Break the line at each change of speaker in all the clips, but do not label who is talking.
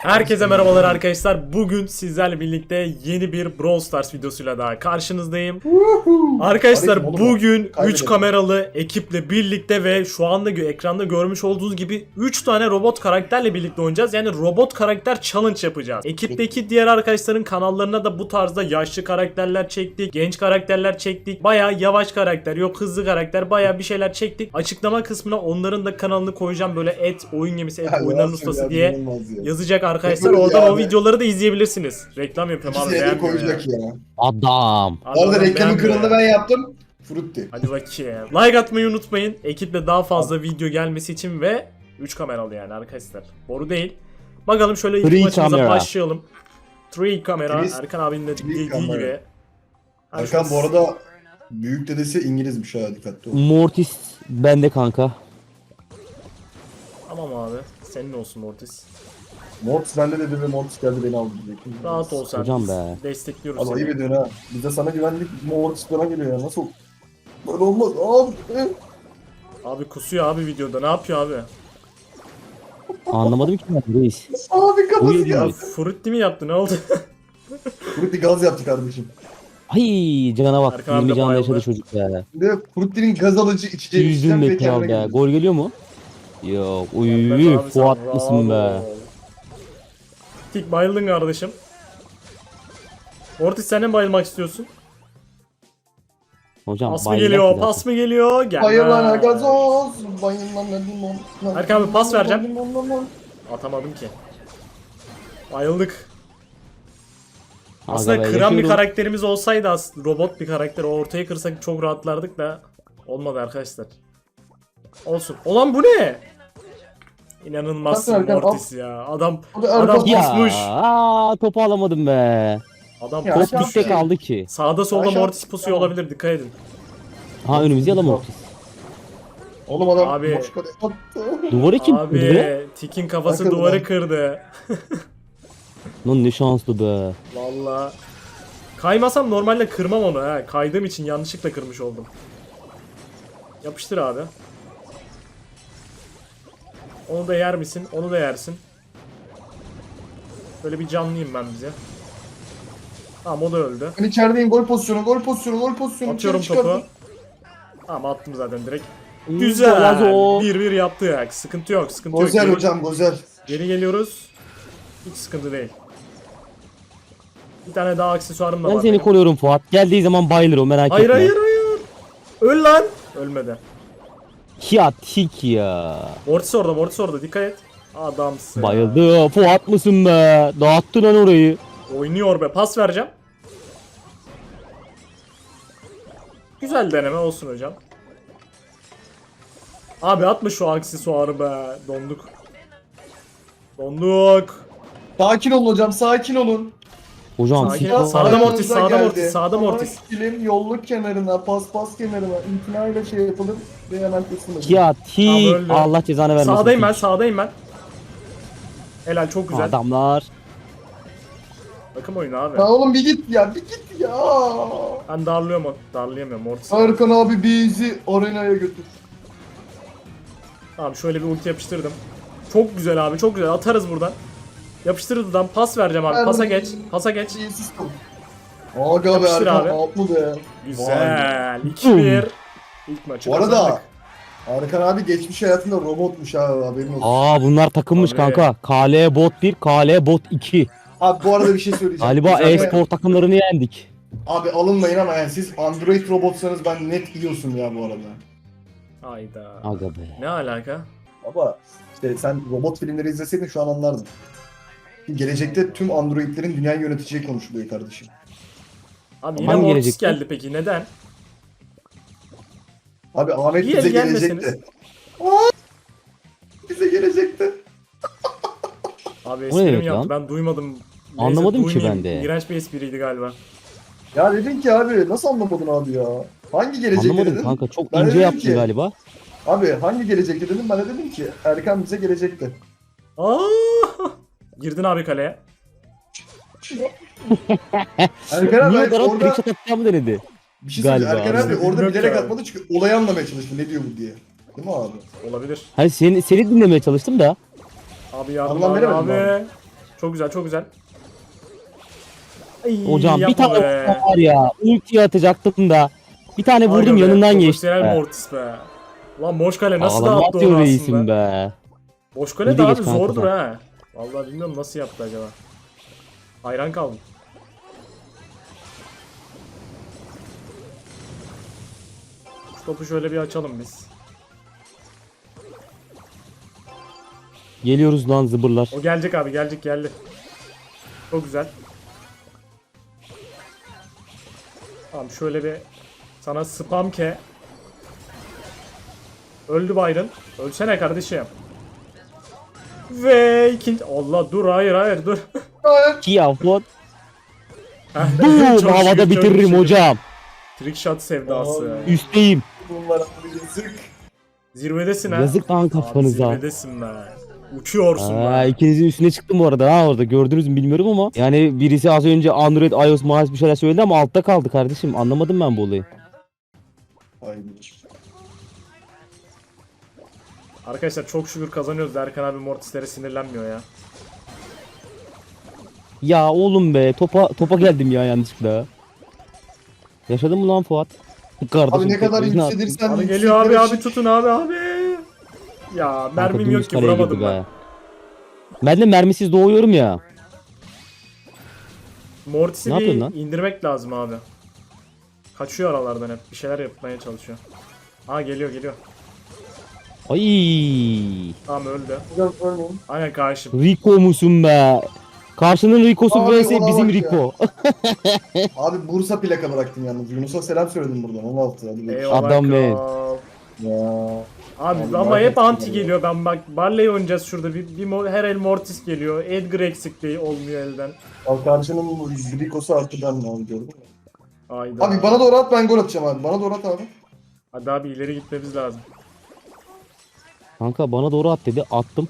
Herkese merhabalar arkadaşlar. Bugün sizlerle birlikte yeni bir Brawl Stars videosuyla daha karşınızdayım. Arkadaşlar bugün 3 kameralı ekiple birlikte ve şu anda ekranda görmüş olduğunuz gibi 3 tane robot karakterle birlikte oynayacağız. Yani robot karakter challenge yapacağız. Ekipteki diğer arkadaşların kanallarına da bu tarzda yaşlı karakterler çektik, genç karakterler çektik. Bayağı yavaş karakter, yok hızlı karakter, bayağı bir şeyler çektik. Açıklama kısmına onların da kanalını koyacağım, böyle et oyun gemisi, et oyunların ustası diye yazacak arkadaşlar. Oradan o videoları da izleyebilirsiniz. Reklam yapıyorum abi.
İkisi koyacak ya.
Adam.
Orada reklamın kralını ben yaptım. Frutti.
Hadi bakayım. Like atmayı unutmayın. Ekiple daha fazla video gelmesi için ve 3 kameralı yani arkadaşlar. Boru değil. Bakalım şöyle ilk maçımıza başlayalım. 3 kamera. Erkan abinin de dediği gibi.
Erkan bu arada büyük dedesi İngilizmiş ha, dikkatli ol.
Mortis bende kanka.
Tamam abi. Senin olsun Mortis.
Mortis bende dedi ve Mortis geldi beni aldı diyecektim.
Rahat ol sen.
Hocam be.
Destekliyoruz
Ama
seni.
iyi ediyorsun ha. Biz de sana güvenlik, Mortis bana geliyor ya. Nasıl? Böyle olmaz abi.
Abi kusuyor abi videoda. Ne yapıyor abi?
Anlamadım ki ben reis.
Abi kafası
Uyuyor
ya.
gibi.
Frutti mi yaptı? Ne oldu?
Frutti gaz yaptı kardeşim.
Ay cana bak.
Erkan abi
20
de
canla
bayıldı.
yaşadı çocuk ya.
Şimdi Frutti'nin gaz alıcı içeceği
Yüzdün
içeceğim
be
ve
kral
kendine
ya.
gidiyor.
Gol geliyor mu? Yok.
Evet
Uy
abi, sen
Fuat
rahat
mısın be?
ol. Tik bayıldın kardeşim. Mortis sen de mi bayılmak istiyorsun?
Hocam
Pas mı
bayılacak
geliyor?
zaten.
Pas mı geliyor? Gelmez.
Bayılana gazoz, bayılana limon.
Erkan abi pas vereceğim.
Limon.
Atamadım ki. Bayıldık.
Aga
Aslında
be,
kıran bir
yaşıyorum.
karakterimiz olsaydı, robot bir karakter, o ortaya kırsak çok rahatlardık da olmadı arkadaşlar. Olsun. Olan bu ne? İnanılmazsın
Erkan,
Mortis ya. Adam
Abi Erkan
Ya
pusmuş.
topu alamadım be.
Adam
Ya,
Top
pusmuş.
dikte kaldı ki.
Sağda solda
Aşağı-
Mortis pusuyor olabilir, dikkat edin.
Ha önümüzde yalan Mortis.
Oğlum adam
Abi-
boş kadeh attı.
Duvarı kim kırdı?
Abi Tik'in kafası
Bakın
duvarı
lan.
kırdı.
Lan ne şanslı be.
Valla. Kaymasam normalde kırmam onu ha. Kaydığım için yanlışlıkla kırmış oldum. Yapıştır abi. Onu da yer misin? Onu da yersin. Böyle bir canlıyım ben bize. Tamam, o da öldü.
Ben içerideyim, gol pozisyonu.
Atıyorum
İçeri çıkardım.
topu. Tamam, attım zaten direkt.
Lazo.
Güzel. 1-1 yaptık. Sıkıntı yok, sıkıntı yok.
Gozel
Geri-
hocam, gozel.
Geri geliyoruz. Hiç sıkıntı değil. Bir tane daha aksesuarım da
Ben
var.
seni
benim.
koruyorum Fuat. Geldiği zaman bayılır o merak
Hayır
etme.
hayır hayır. Öl lan. Ölmedi.
Ya tik ya.
Mortis orada, dikkat et. Adamsın.
Bayıldı. Fuat mısın be? Dağıttın lan orayı.
Oynuyor be, pas vereceğim. Güzel deneme olsun hocam. Abi atma şu aksesuarı be. Donduk.
Sakin olun hocam, sakin olun.
Hocam
Sakin
tik
ol.
var.
Sağda
Ayağınıza
Mortis, sağda
geldi.
Mortis, sağda
Ama
Mortis.
Kilim yolluk kenarına, pas kenarına, imtinayla şey yapılır ve hemen kesilmez.
Ya
Abi
tik.
öldü.
Allah cezanı vermesin.
Sağdayım ben. Helal, çok güzel.
Adamlar.
Bakım oyunu abi.
Ya oğlum bir git ya.
Ben darlayamıyorum Mortis.
Erkan abi bizi arenaya götür.
Tamam, şöyle bir ulti yapıştırdım. Çok güzel abi, çok güzel. Atarız buradan. Yapıştır buradan. Pas vereceğim abi. Pasa geç.
Sistem. Aga be
Yapıştır
Erkan,
abi.
atlı be.
Güzel. 2-1. İlk maçı
Bu arada
kazandık.
Erkan abi geçmiş hayatında robotmuş ha, haberin olsun.
Bunlar takımmış
Abi.
kanka. KL bot 1, KL bot 2.
Abi bu arada bir şey söyleyeceğim.
Galiba
Güzel be.
e-spor takımlarını yendik.
Abi alınmayın ama yani siz Android robotsanız ben net yiyorsun ya bu arada.
Hayda.
Aga be.
Ne alaka?
Ama işte sen robot filmleri izleseydin şu an anlardın. Gelecekte tüm Androidlerin dünyayı yöneteceği konuşuluyor kardeşim.
Abi yine
Hangi
Mortis
gelecekte?
geldi peki, neden?
Abi Ahmet
İyi,
bize
gelmeseniz.
gelecekti. Aa, bize gelecekti.
Abi
O ne
espri mi
demek
yaptı?
lan?
Ben duymadım.
Anlamadım ki
duymayayım.
ben de.
İğrenç bir espriydi galiba.
Ya dedin ki abi nasıl anlamadın abi ya? Hangi gelecekte
Anlamadım
dedin?
kanka. Çok
Ben
ince
dedim
yaptın
ki-
galiba.
Abi hangi gelecekte dedim, ben de dedim ki Erkan bize gelecekti.
Aa! Girdin abi kaleye.
Erkan abi
Niye Darat
orada
trick shot atacağımı denedi.
bir şey söyleyeyim.
Galiba
Erkan
abi.
abi orada
Bilmiyorum
bilerek
ki abi.
atmadı çünkü olayı anlamaya çalıştı ne diyor bu diye. Değil mi abi?
Olabilir.
Hayır seni dinlemeye çalıştım da.
Abi yardım
Anlam
abi.
veremedim
Abi. Çok güzel çok güzel. Ay,
Hocam bir
yapma
tane
be.
vurdum var ya. Ulti atacaktım da. Bir tane
Aga
vurdum
be,
yanından geçti.
profesyonel Mortis be. Lan Moşkale nasıl
Ağlama
da attı
atıyor
onu
reisim
aslında.
be.
Moşkale
Bir
de
de
abi
geç kanka
zordur
da.
ha. Vallahi bilmiyorum nasıl yaptı acaba. Hayran kaldım. Şu topu şöyle bir açalım biz.
Geliyoruz lan zıbırlar.
O gelecek abi gelecek geldi. Çok güzel. Tamam şöyle bir sana spam ke. Öldü Byron. Ölsene kardeşim. Ve ikinci... Allah dur hayır dur.
Ki ya what?
Heh,
Boom
çok
havada
şükür, çok
bitiririm
şükür.
hocam.
Trick shot sevdası.
Abi.
Üsteyim.
Bunlar abi yazık.
Zirvedesin ha.
Yazık lan
Abi
kafanıza.
zirvedesin be. Uçuyorsun
Aa,
be.
ikinizin üstüne çıktım bu arada ha orada gördünüz mü bilmiyorum ama yani birisi az önce Android, iOS, bir şeyler söyledi ama altta kaldı kardeşim anlamadım ben bu olayı.
Aynen.
Arkadaşlar çok şükür kazanıyoruz. Erkan abi Mortis'lere sinirlenmiyor ya.
Ya oğlum be topa geldim ya yanlışlıkla. Yaşadın mı lan Fuat? Kardeşim,
Abi ne kadar
teknoloji ne yaptın?
yükselirsen
Abi geliyor abi
yükseklere çık.
tutun abi. Ya
Kanka,
mermim
dümdüz
yok ki
kaleye
vuramadım
girdi
ben.
be. Ben de mermisiz doğuyorum ya.
Mortis'i
Ne
bir
yapıyorsun lan?
indirmek lazım abi. Kaçıyor aralardan hep. Bir şeyler yapmaya çalışıyor. Aa geliyor.
Ay.
Tamam öldü.
Hocam örneğin.
Aynen karşım.
Rico musun be? Karşının Rico'su
Abi,
vs
ona
bizim
bak ya.
Rico.
Abi Bursa plaka bıraktın yalnız. Yunus'a selam söyledim buradan. 16. Hadi be.
Eyvallah
Adam
kral.
be.
Ya.
Abi
Abi,
ama
bayağı
hep anti
etkili
geliyor. Ben bak Barley oynayacağız şurada. Her el Mortis geliyor. Edgar eksikliği olmuyor elden.
Al karşının Rico'su arttı ben mi abi gördün mü?
Ayda.
Abi bana doğru at ben gol atacağım abi. Bana doğru at abi.
Hadi abi ileri gitmemiz lazım.
Kanka bana doğru at dedi. Attım.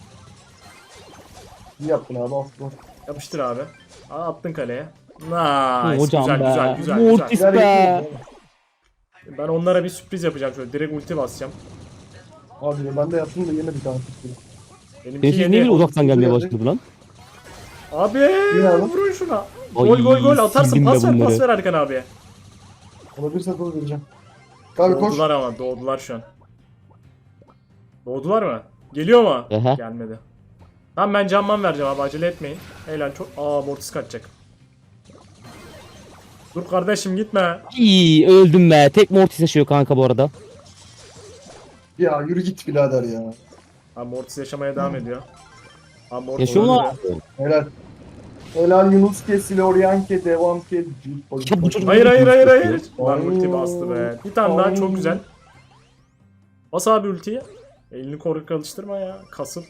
İyi yaptın abi. Aferin.
Yapıştır abi. Aa, attın kaleye. Nice.
Hocam
güzel,
be.
güzel güzel
Mortis
güzel.
Güzel
be.
yapıyorsun abi.
Ben onlara bir sürpriz yapacağım şöyle. Direkt ulti basacağım.
Abi ben de yaptım da yemedi kanka.
Benimki
Herif ne
yeni.
bile uzaktan gelmeye başladı lan.
Abi
abi.
vurun şuna.
Ay,
Gol atarsın.
sildim de
Pas ver
bunları.
Erkan abiye.
Olabilirse gol vereceğim. Abi koş.
Doğdular ama doğdular şu an. Doğdular mı? Geliyor mu?
Ehe.
Gelmedi. Tamam ben canman vereceğim abi acele etmeyin. Helal çok. Aa Mortis kaçacak. Dur kardeşim gitme.
İyi öldüm be. Tek Mortis yaşıyor kanka bu arada.
Ya yürü git birader ya.
Abi Mortis yaşamaya devam ediyor. Abi Mortis
Yaşıyor mu lan?
öldü.
Helal. Helal Yunus ke, Siloryan ke, devam ke.
Ya bu çocuk-
Hayır. Lan
Ay.
ulti bastı be. Bir tane daha
Ay.
çok güzel. Bas abi ultiyi. Elini korkak alıştırma ya. Kasıp.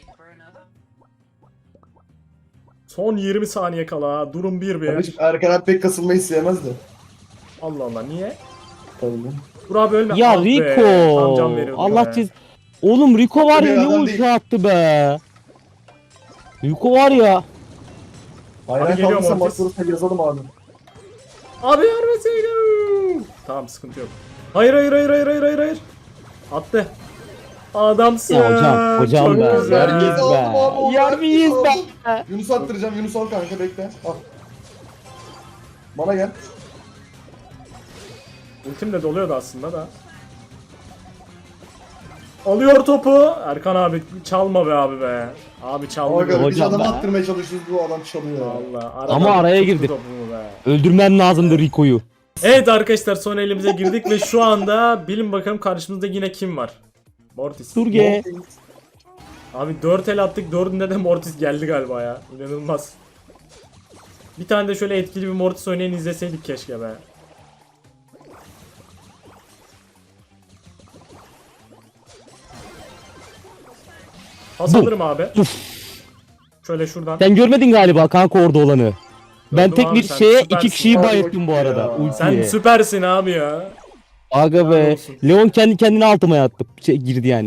Son 20 saniye kala. Durum 1-1.
Kardeşim Erkan abi pek kasılmayı sevmez de.
Allah Allah niye?
Tabii.
Dur abi ölme.
Ya
Ah be,
Rico.
tam can veriyorduk
Allah
be.
çiz. Oğlum Rico var ya
Bir
ne
adam
ulti
değil.
attı be. Rico var ya.
Aynen
geliyor
kaldıysa
Mortis.
maç sonunda yazalım abi.
Abi vermeseydin. Tamam sıkıntı yok. Hayır. Attı. Adamsın.
Ya hocam
Çok
be.
güzel.
Yermiyiz
Aldım
be.
abi, onu
Yermiyiz
aldım.
be.
Yunus attıracağım. Yunus al kanka bekle. Al. Bana gel.
Ultim de doluyordu aslında da. Alıyor topu. Erkan abi çalma be abi be. Abi çalma.
Aga biz
Hocam
adamı
be.
attırmaya çalışıyoruz bu adam çalıyor.
Allah.
Ama araya
tuttu
girdi.
topumu be.
Öldürmen lazımdı Rico'yu.
Evet arkadaşlar son elimize girdik ve şu anda bilin bakalım karşımızda yine kim var? Mortis.
Durge.
Abi 4 el attık 4'ünde de Mortis geldi galiba ya. İnanılmaz. Bir tane de şöyle etkili bir Mortis oynayan izleseydik keşke be. Pas alırım abi. Şöyle şuradan.
Sen görmedin galiba kanka orada olanı. Ben
Gördüm
tek
abi,
bir
sen
şeye
süpersin.
iki kişiyi
Abi
bayılttım bu
ya.
arada.
Sen
Ultiye.
süpersin abi ya.
Aga
Helal
be.
olsun.
Leon kendi kendine altıma yattı. Girdi yani.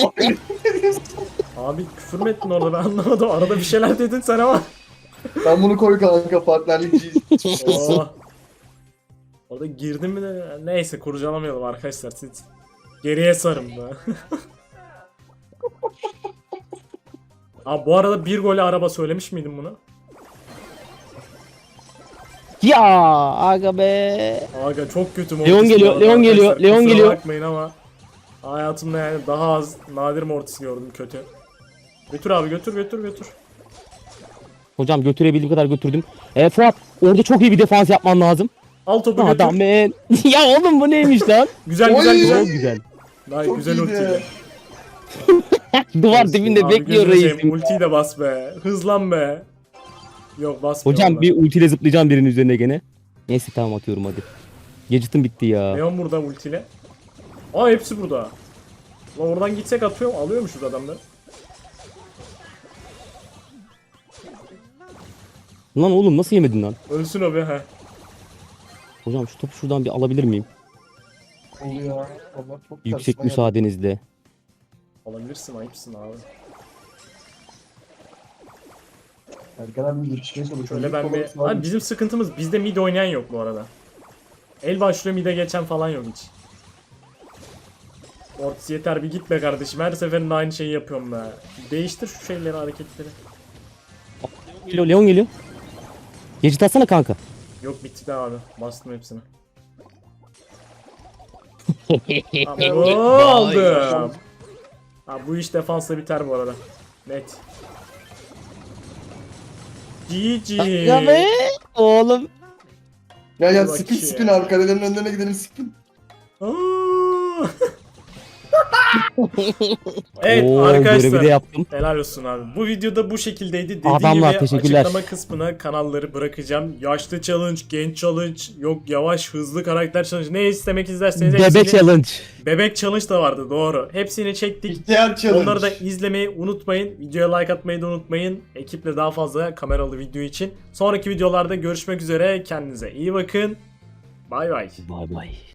Abi küfür mü ettin orada ben anlamadım. Arada bir şeyler dedin sen ama.
Sen bunu koy kanka partnerlikçi.
Oo. Orada girdim mi de neyse kurcalamayalım arkadaşlar siz. Geriye sarın be. Abi bu arada bir gole araba söylemiş miydim bunu?
Ya aga be.
Aga çok kötü
Leon
Mortis
geliyor,
bu arada
Leon geliyor,
arkadaşlar.
Leon
Kusura
geliyor.
bakmayın ama hayatımda yani daha az nadir Mortis gördüm kötü. Götür abi götür götür götür.
Hocam götürebildiğim kadar götürdüm. Fuat orada çok iyi bir defans yapman lazım.
Al topu götür.
Adam ben. Ya oğlum bu neymiş lan?
Güzel
Oy!
güzel güzel.
Çok güzel.
Vay,
Çok
güzel
iyiydi.
ultiyle.
Duvar dibinde
Abi
bekliyor
gözünü seveyim,
reisim.
ultiyi de bas be. Hızlan be. Yok basmıyor.
Hocam
vallahi.
bir ultiyle zıplayacağım birinin üzerine gene. Neyse tamam atıyorum hadi. Gadget'ım bitti ya.
Leon burada ultiyle. Aa hepsi burada. Lan oradan gitsek alıyormuşuz adamları.
Lan oğlum nasıl yemedin lan?
Ölsün o be he.
Hocam şu topu şuradan bir alabilir miyim?
Oluyor. Allah çok
Yüksek
tersine
müsaadenizle.
Alabilirsin ayıpsın abi.
geldi. Erkan abi yetişmeye çalışıyor.
Şöyle ben bir...
Abi,
Abi bizim sıkıntımız bizde mid oynayan yok bu arada. El başlıyor mid'e geçen falan yok hiç. Mortis yeter bir gitme kardeşim. Her seferinde aynı şeyi yapıyorum be. Değiştir şu şeyleri hareketleri.
Geliyor, Leon geliyor. Gadget atsana kanka.
Yok bitti de abi. Bastım hepsini. Tamam aldım. Ha, bu iş defansla biter bu arada. Net. GG.
Ya be oğlum.
ya
Bak
spin
ya.
spin abi kalelerin önlerine gidelim spin.
Aa. Evet
Oo,
arkadaşlar.
görevi de yaptım.
Helal olsun abi. Bu videoda bu şekildeydi. Dediğim
Adamlar,
gibi
teşekkürler.
açıklama kısmına kanalları bırakacağım. Yaşlı challenge, genç challenge, yok yavaş hızlı karakter challenge. Ne istemek isterseniz
Bebe
hepsini...
challenge.
Bebek challenge da vardı doğru. Hepsini çektik.
İhtiyar challenge.
Onları da izlemeyi unutmayın. Videoya like atmayı da unutmayın. Ekiple daha fazla kameralı video için. Sonraki videolarda görüşmek üzere. Kendinize iyi bakın. Bay bay.
Bay bay.